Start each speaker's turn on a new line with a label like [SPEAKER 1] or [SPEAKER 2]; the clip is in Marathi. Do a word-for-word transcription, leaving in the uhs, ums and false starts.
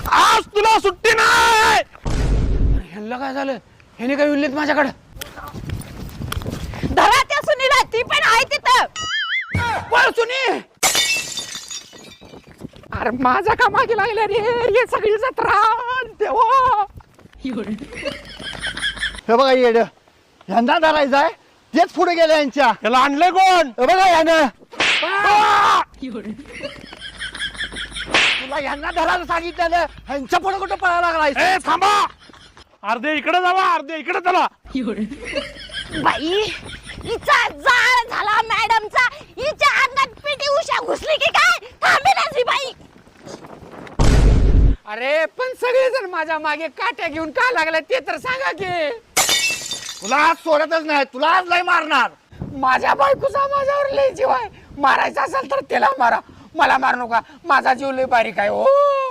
[SPEAKER 1] आज तुला सुट्टी नाही. ह्यांना काय झालं? ह्याने काय उरलेत माझ्याकडे?
[SPEAKER 2] धरा त्या सुनीला, ती पण आहे तिथं.
[SPEAKER 1] पळ सुनी. अरे माझा का मागे लागला रे हे सगळी जत्रा देवा.
[SPEAKER 3] हे बघा येड ह्यांना धरायचं आहे तेच पुढे गेले यांच्या.
[SPEAKER 1] त्याला आणलंय कोण?
[SPEAKER 3] हे बघा यानं तुला यांना धरायला सांगितलं ह्यांच्या पुढे कुठं पळायला लागलाय?
[SPEAKER 1] ए थांबा. अर्धे इकडे जावा अर्धे इकडे चला.
[SPEAKER 2] बाई हिचा जाळ झाला मॅडमचा. हिच्या अंगात पिटी उषा घुसली की काय? थांबेनाच ही बाई.
[SPEAKER 1] अरे पण सगळेजण माझ्या मागे काट्या घेऊन का लागले ते तर सांगा की.
[SPEAKER 3] तुला आज सोडतच नाही, तुला आज लय मारणार.
[SPEAKER 1] माझ्या बायकोचा माझ्यावर लय जीव आहे. मारायचा असेल तर त्याला मारा, मला मारू नका. माझा जीव लय बारीक आहे. ओ